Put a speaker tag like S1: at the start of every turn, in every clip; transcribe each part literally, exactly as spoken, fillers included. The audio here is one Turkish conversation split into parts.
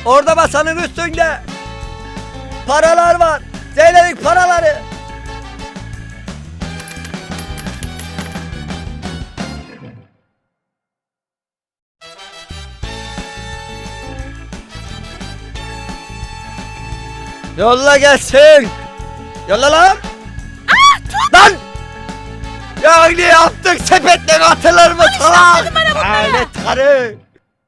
S1: Orada masanın üstünde paralar var. Zeynep'in paraları. Yolla gelsin. Yolla lan.
S2: Ah tut.
S1: Lan. Ya ne yaptık, sepetle atılır mı salak? Lanet karı.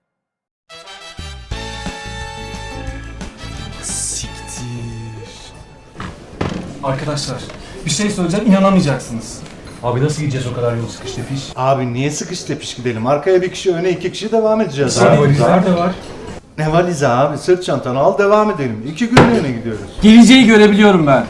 S3: Siktir. Arkadaşlar bir şey söyleyeceğim, inanamayacaksınız.
S4: Abi nasıl gideceğiz o kadar yol sıkış tepiş?
S5: Abi niye sıkış tepiş gidelim? Arkaya bir kişi, öne iki kişi devam edeceğiz.
S4: Abi
S5: Abi.
S4: valizler de var.
S5: Ne valizi abi? Sırt çantanı al, devam edelim. İki günlüğüne gidiyoruz.
S3: Geleceği görebiliyorum ben.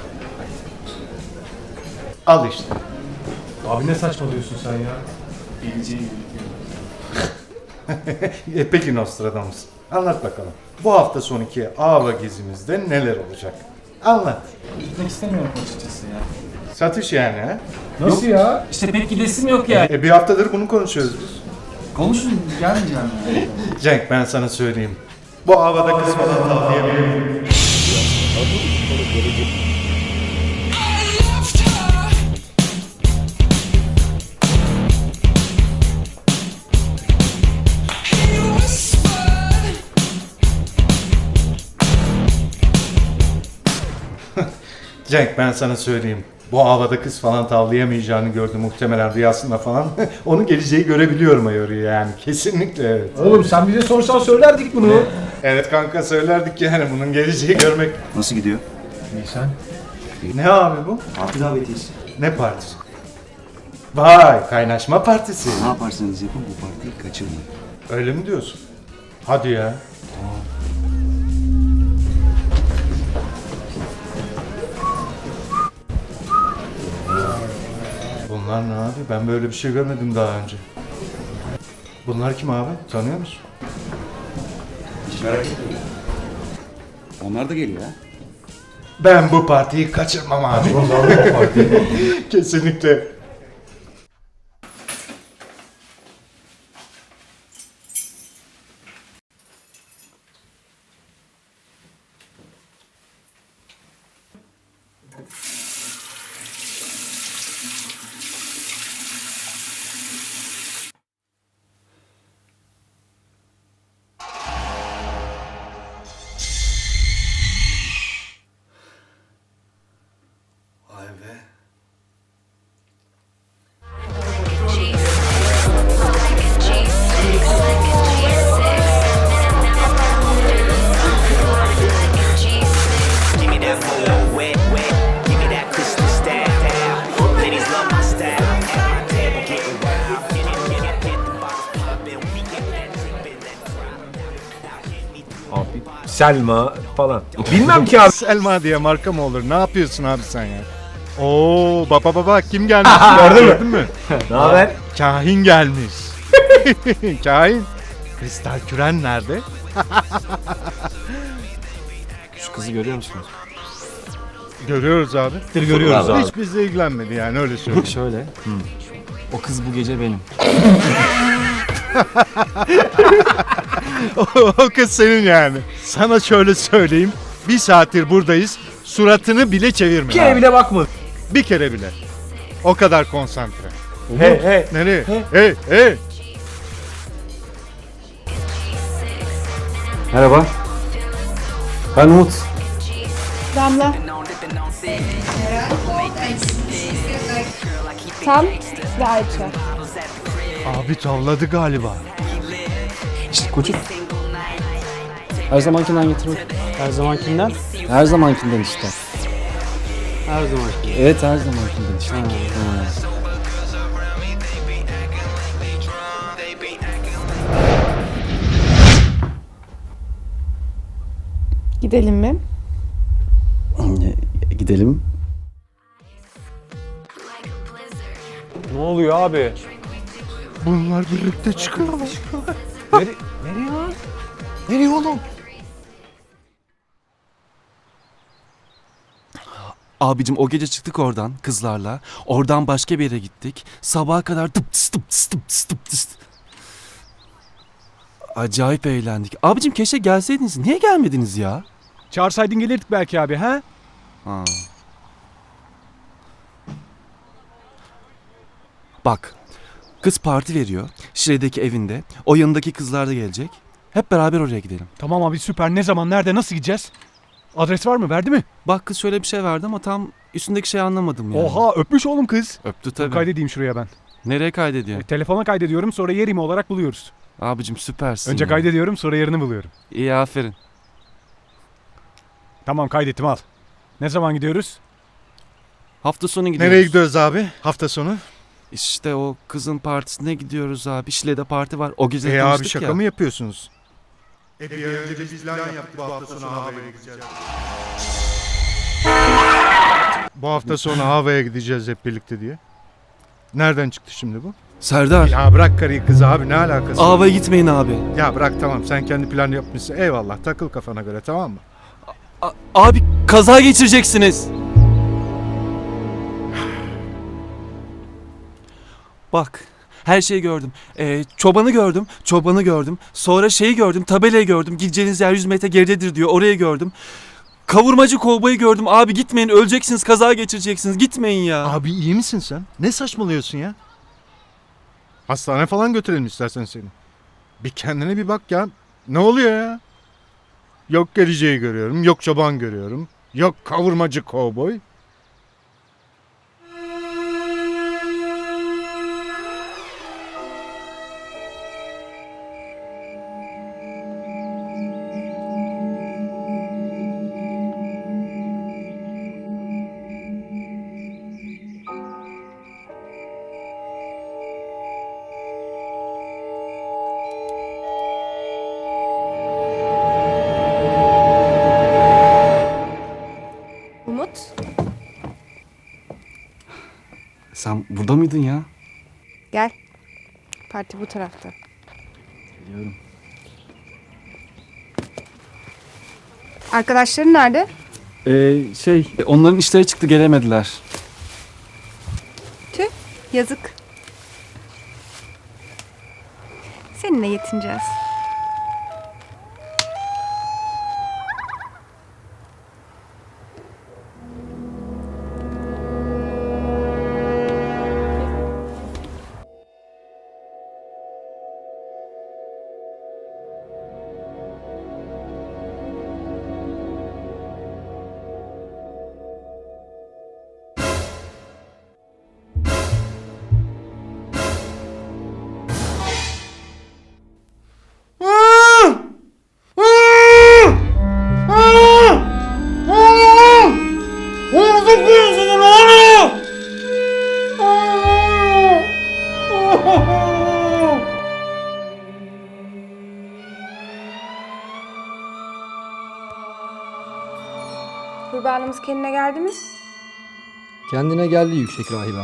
S5: Al işte.
S4: Abi ne saçmalıyorsun sen ya?
S3: Geleceği görebiliyorum.
S5: E peki Nostradamus. Anlat bakalım. Bu hafta sonraki Ava gezimizde neler olacak? Anlat.
S3: Gitmek istemiyorum açıkçası ya.
S5: Satış yani ha?
S4: Nasıl ya?
S3: İşte pek gidesim yok yani.
S5: E bir haftadır bunu konuşuyoruz biz.
S3: Konuşun, gelmeyeceğim yani.
S5: Cenk ben sana söyleyeyim. Bu havada kız falan tavlayabilirim. Cenk ben sana söyleyeyim. Bu havada kız falan tavlayamayacağını gördü muhtemelen rüyasında falan. Onu geleceği görebiliyorum ayarı yani. Kesinlikle evet.
S4: Oğlum sen bize sorsan söylerdik bunu.
S5: Evet kanka söylerdik yani bunun geleceği görmek.
S6: Nasıl gidiyor?
S4: İyi sen.
S5: Ne abi bu?
S6: Parti davetiyesi.
S5: Ne partisi? Vay kaynaşma partisi.
S6: Ne yaparsanız yapın bu partiyi kaçırmayın.
S5: Öyle mi diyorsun? Hadi ya. Bunlar ne abi? Ben böyle bir şey görmedim daha önce. Bunlar kim abi? Tanıyor musun?
S6: Hiç merak etmeyin. Onlar da geliyor ha.
S5: Ben bu partiyi kaçırmam abi. Kesinlikle.
S6: Vay be.
S7: Give me that flow wet, wet. Give me that crystal style. Ladies love my style. At my table getting wild. Get it, get it, get the bottles poppin'. We get that drippin', that drop.
S4: Abi Selma falan. Bilmem ki abi.
S5: Selma diye marka mı olur? Ne yapıyorsun abi sen ya? Oo baba baba kim gelmiş?
S4: Gördün mü? Ne haber?
S5: Kahin gelmiş. Kahin. Kristal küren nerede?
S3: Şu kızı görüyor musunuz?
S5: Görüyoruz abi.
S4: Görüyoruz abi.
S5: Hiç bizle ilgilenmedi yani öyle söyleyeyim.
S3: Şöyle. O kız bu gece benim.
S5: o, o kız senin yani. Sana şöyle söyleyeyim. Bir saattir buradayız. Suratını bile çevirme.
S4: Bir kere bile bakma.
S5: Bir kere bile. O kadar konsantre.
S4: He he.
S5: Nereye? Hey hey.
S3: Merhaba. Ben Umut.
S2: Damla. Tam ve Ayça.
S5: Abi tavladı galiba.
S3: İşte koçum. Her zamankinden getirmek.
S8: Her zamankinden.
S3: Her zamankinden işte.
S8: Her zamankinden.
S3: Evet her zamankinden işte. Ha.
S2: Gidelim mi?
S3: Gidelim.
S8: Ne oluyor abi?
S5: Bunlar birlikte çıkıyorlar.
S8: Nere nereye lan? Nereye oğlum?
S9: Abicim o gece çıktık oradan kızlarla. Oradan başka bir yere gittik. Sabaha kadar tıp tıs tıp tıs tıp tıs tıp tıs. Acayip eğlendik. Abicim keşke gelseydiniz. Niye gelmediniz ya?
S8: Çağırsaydın gelirdik belki abi ha?
S9: Ha. Bak, kız parti veriyor. Şile'deki evinde. O yanındaki kızlar da gelecek. Hep beraber oraya gidelim.
S8: Tamam abi süper. Ne zaman nerede nasıl gideceğiz? Adres var mı? Verdi mi?
S9: Bak kız şöyle bir şey verdi ama tam üstündeki şeyi anlamadım yani.
S8: Oha öpmüş oğlum kız.
S9: Öptü tabii.
S8: Kaydedeyim şuraya ben.
S9: Nereye kaydediyor?
S8: E, telefona kaydediyorum sonra yerimi olarak buluyoruz.
S9: Abicim süpersin
S8: Önce
S9: ya.
S8: kaydediyorum sonra yerini buluyorum.
S9: İyi aferin.
S8: Tamam kaydettim al. Ne zaman gidiyoruz?
S9: Hafta sonu gidiyoruz.
S5: Nereye gidiyoruz abi hafta sonu?
S9: İşte o kızın partisine gidiyoruz abi. Şile'de parti var. O gece
S5: E abi
S9: tanıştık
S5: şaka
S9: ya.
S5: mı yapıyorsunuz? E bir önce biz plan yaptık bu hafta sonu havaya gideceğiz. Bu hafta sonu havaya gideceğiz hep birlikte diye. Nereden çıktı şimdi bu?
S9: Serdar.
S5: Ya bırak karıyı kızı abi ne alakası var?
S9: Ava'ya gitmeyin abi.
S5: Ya bırak tamam sen kendi plan yapmışsın eyvallah takıl kafana göre tamam mı?
S9: A- abi kaza geçireceksiniz. Bak her şeyi gördüm. Ee, çobanı gördüm. Çobanı gördüm. Sonra şeyi gördüm. Tabelayı gördüm. Gideceğiniz yer yüz metre geridedir diyor. Orayı gördüm. Kavurmacı kovboyu gördüm. Abi gitmeyin öleceksiniz. Kaza geçireceksiniz. Gitmeyin ya.
S5: Abi iyi misin sen? Ne saçmalıyorsun ya? Hastane falan götürelim istersen seni. Bir kendine bir bak ya. Ne oluyor ya? Yok geleceği görüyorum. Yok çoban görüyorum. Yok kavurmacı kovboy.
S2: Umut.
S3: Sen burada mıydın ya?
S2: Gel. Parti bu tarafta.
S3: Biliyorum.
S2: Arkadaşların nerede?
S3: Ee, şey onların işleri çıktı gelemediler.
S2: Tüh. Yazık. Seninle yetineceğiz. Kurbanımız kendine geldi mi?
S10: Kendine geldi yüksek rahibem.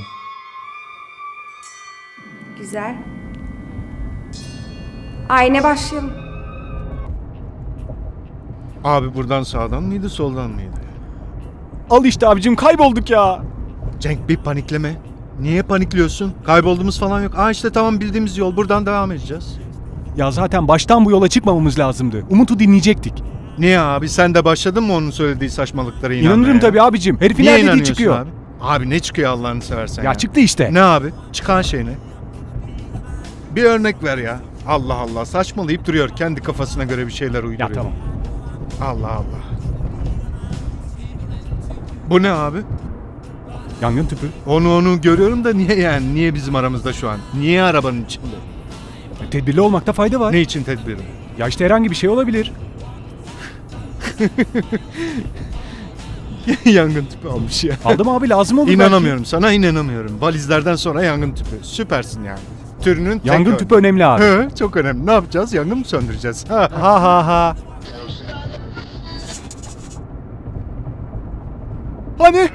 S2: Güzel. Ayne başlayalım.
S5: Abi buradan sağdan mıydı soldan mıydı?
S8: Al işte abicim kaybolduk ya.
S5: Cenk bir panikleme. Niye panikliyorsun? Kaybolduğumuz falan yok. Aa işte tamam bildiğimiz yol. Buradan devam edeceğiz.
S8: Ya zaten baştan bu yola çıkmamamız lazımdı. Umut'u dinleyecektik.
S5: Niye abi? Sen de başladın mı onun söylediği saçmalıklara inanmaya?
S8: İnanırım tabii abicim. Herifin
S5: Niye
S8: her dediği
S5: inanıyorsun
S8: çıkıyor.
S5: abi? Abi ne çıkıyor Allah'ını seversen ya?
S8: Ya çıktı işte.
S5: Ne abi? Çıkan şey ne? Bir örnek ver ya. Allah Allah saçmalayıp duruyor. Kendi kafasına göre bir şeyler uyduruyor.
S8: Ya tamam.
S5: Allah Allah. Bu ne abi?
S8: Yangın tüpü.
S5: Onu onu görüyorum da niye yani? Niye bizim aramızda şu an? Niye arabanın içinde?
S8: E, Tedbirli olmakta fayda var.
S5: Ne için tedbiri?
S8: Ya işte herhangi bir şey olabilir.
S5: Yangın tüpü almış ya.
S8: Aldım abi lazım olur belki.
S5: İnanamıyorum sana inanamıyorum. Valizlerden sonra yangın tüpü. Süpersin yani. Türünün tek
S8: Yangın
S5: ör-
S8: tüpü önemli abi.
S5: Hı, çok önemli. Ne yapacağız? Yangın mı söndüreceğiz? Ha.
S8: Ha ha ha. Hani?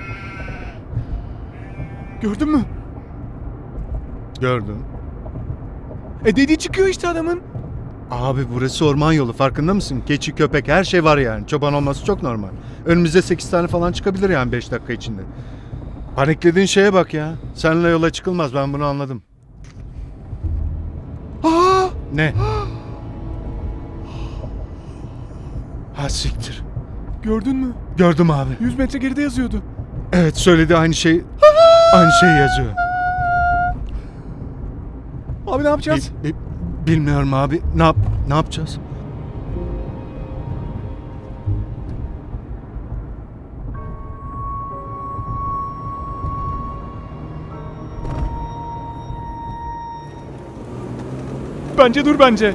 S8: Gördün mü?
S5: Gördüm.
S8: E dediği çıkıyor işte adamın.
S5: Abi burası orman yolu farkında mısın? Keçi, köpek her şey var yani. Çoban olması çok normal. Önümüze sekiz tane falan çıkabilir yani beş dakika içinde. Paniklediğin şeye bak ya. Seninle yola çıkılmaz ben bunu anladım.
S8: Aa!
S5: Ne? Ha siktir.
S4: Gördün mü?
S5: Gördüm abi.
S4: yüz metre geride yazıyordu.
S5: Evet söyledi aynı şey. Aynı şey yazıyor.
S4: Abi ne yapacağız?
S5: Bi- bi- bilmiyorum abi. Ne yap ne yapacağız?
S4: Bence dur bence.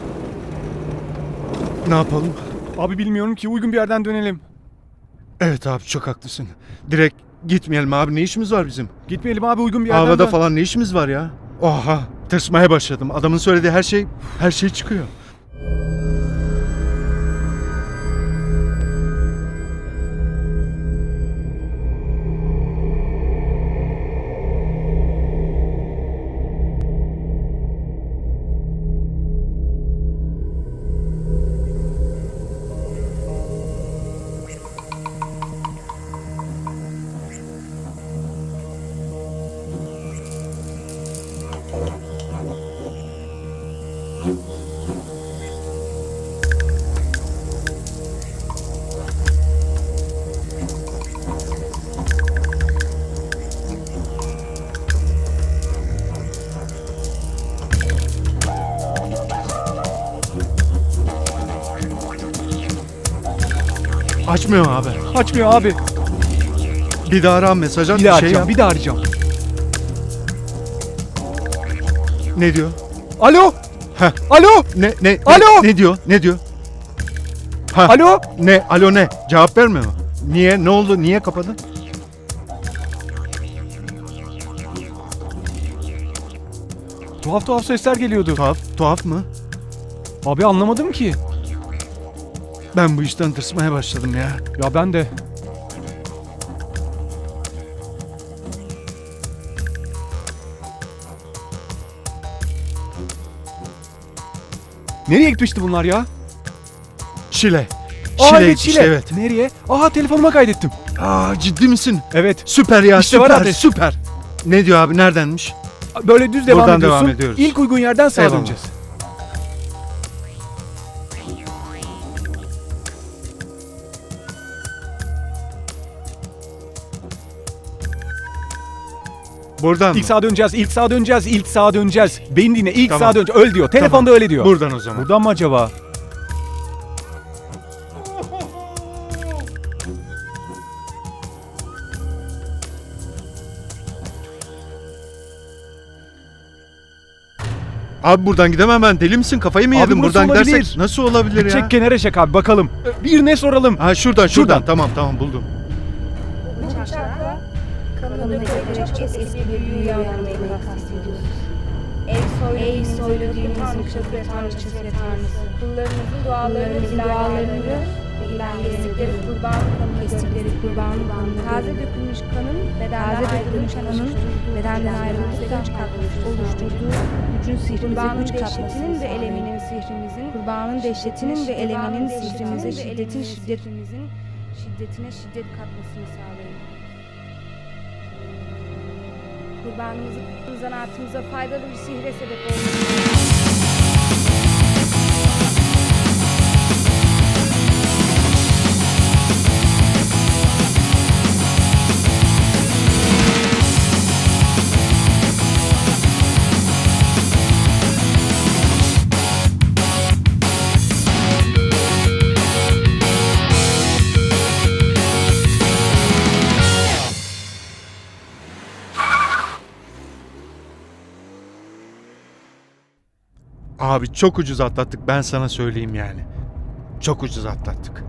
S5: Ne yapalım?
S4: Abi bilmiyorum ki, uygun bir yerden dönelim.
S5: Evet abi çok haklısın. Direkt gitmeyelim abi. Ne işimiz var bizim?
S4: Gitmeyelim abi, uygun bir yerden
S5: Havada
S4: dön.
S5: falan ne işimiz var ya? Oha, tırsmaya başladım. Adamın söylediği her şey her şey çıkıyor. Açmıyor abi.
S4: Açmıyor abi.
S5: Bir daha ara, mesaj at,
S4: Bir
S5: bir
S4: daha
S5: şey
S4: arayacağım,
S5: yap.
S4: bir daha arayacağım.
S5: Ne diyor?
S4: Alo!
S5: Heh.
S4: Alo!
S5: Ne ne
S4: Alo!
S5: Ne, ne diyor? Ne diyor? Ha.
S4: Alo!
S5: Ne? Alo ne? Cevap vermiyor mu? Niye? Ne oldu? Niye kapadın?
S4: Tuhaf tuhaf sesler geliyordu.
S5: Tuhaf, tuhaf mı?
S4: Abi anlamadım ki.
S5: Ben bu işten tırsmaya başladım ya.
S4: Ya ben de. Nereye gitmişti bunlar ya?
S5: Şile.
S4: Aa
S5: Şile
S4: evet
S5: gitmiş,
S4: Şile.
S5: evet.
S4: Nereye? Aha telefonuma kaydettim.
S5: Aa ciddi misin?
S4: Evet.
S5: Süper ya,
S4: İşte var
S5: süper,
S4: adres.
S5: süper. Ne diyor abi? Neredenmiş?
S4: Böyle düz devam
S5: Buradan
S4: ediyorsun.
S5: devam ediyoruz.
S4: İlk uygun yerden sağa
S5: Eyvallah.
S4: döneceğiz.
S5: Buradan
S4: İlk
S5: mı?
S4: sağa döneceğiz, ilk sağa döneceğiz, ilk sağa döneceğiz. Beni dinle, ilk
S5: Tamam.
S4: sağa döneceğiz. Öl diyor. Telefonda
S5: Tamam.
S4: öyle diyor.
S5: Buradan o zaman.
S4: Buradan mı acaba?
S5: Abi buradan gidemem ben. Deli misin? Kafayı mı
S4: Abi
S5: yedin?
S4: burası
S5: Buradan
S4: olabilir.
S5: gidersek nasıl olabilir ya?
S4: Çek kenara çek abi bakalım. Bir ne soralım?
S5: Ha şuradan, şuradan
S4: Şuradan.
S5: Tamam tamam buldum.
S2: Bıçakla kanını dökerek çok eski bir büyüye uyandırmayı kastediyoruz. Ey soylu düğünümüzün tanrıçası ve tanrıçası ve tanrısı. Kullarınızın dualarını, dualarını ve kestikleri kurban kanını, kestikleri kurban kanını, taze dökülmüş kanın, taze dökülmüş kanın, bedenden ayrılmış güç katması oluşturduğu gücün sihrimize güç katmasının ve eleminin sihrimizin, kurbanın dehşetinin ve eleminin sihrimize şiddetin şiddetimizin şiddetine şiddet katmasını sağlayın. Kurbanımızın zanaatımıza faydalı bir sihre sebep olmasını.
S5: Abi çok ucuz atlattık, ben sana söyleyeyim yani. Çok ucuz atlattık.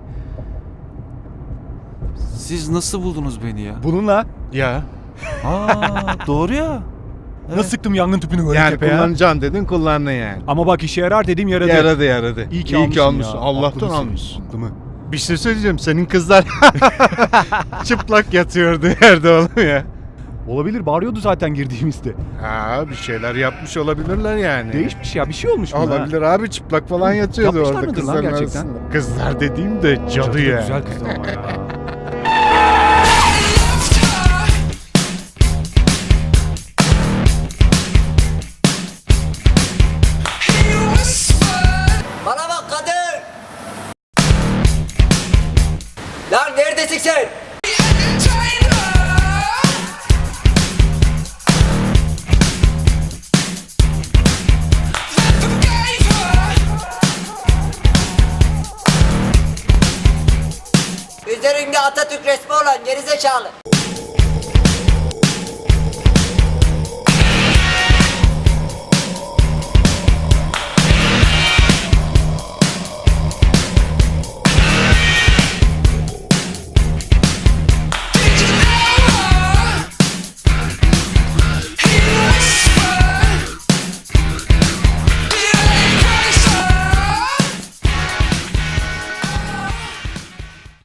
S9: Siz nasıl buldunuz beni ya?
S4: Bununla
S5: Ya
S9: Aa doğru ya.
S4: nasıl sıktım yangın tüpünü böyle
S5: yani
S4: tepeye?
S5: kullanacaksın dedin, kullandın yani.
S4: Ama bak işe yarar dedim yaradı.
S5: Yaradı yaradı.
S4: İyi ki almışsın
S5: almışsın.
S4: ya.
S5: Allah'tan
S4: Aklımsın.
S5: almışsın.
S4: Aklımı.
S5: Bir şey söyleyeceğim, senin kızlar çıplak yatıyordu yerde oğlum ya.
S4: Olabilir, bağırıyordu zaten girdiğimizde.
S5: Ha bir şeyler yapmış olabilirler yani.
S4: Değişmiş ya, bir şey olmuş buna.
S5: Olabilir abi, çıplak falan yatıyordu
S4: Yapmışlar
S5: orada
S4: mıdır lan
S5: kızların
S4: gerçekten?
S5: arasında. Kızlar dediğim de cadı,
S4: Cadı da
S5: ya.
S4: güzel kızdı ama ya.
S7: Bana bak kadın.
S1: misin?
S11: Üzerinde Atatürk resmi olan gerizekalı.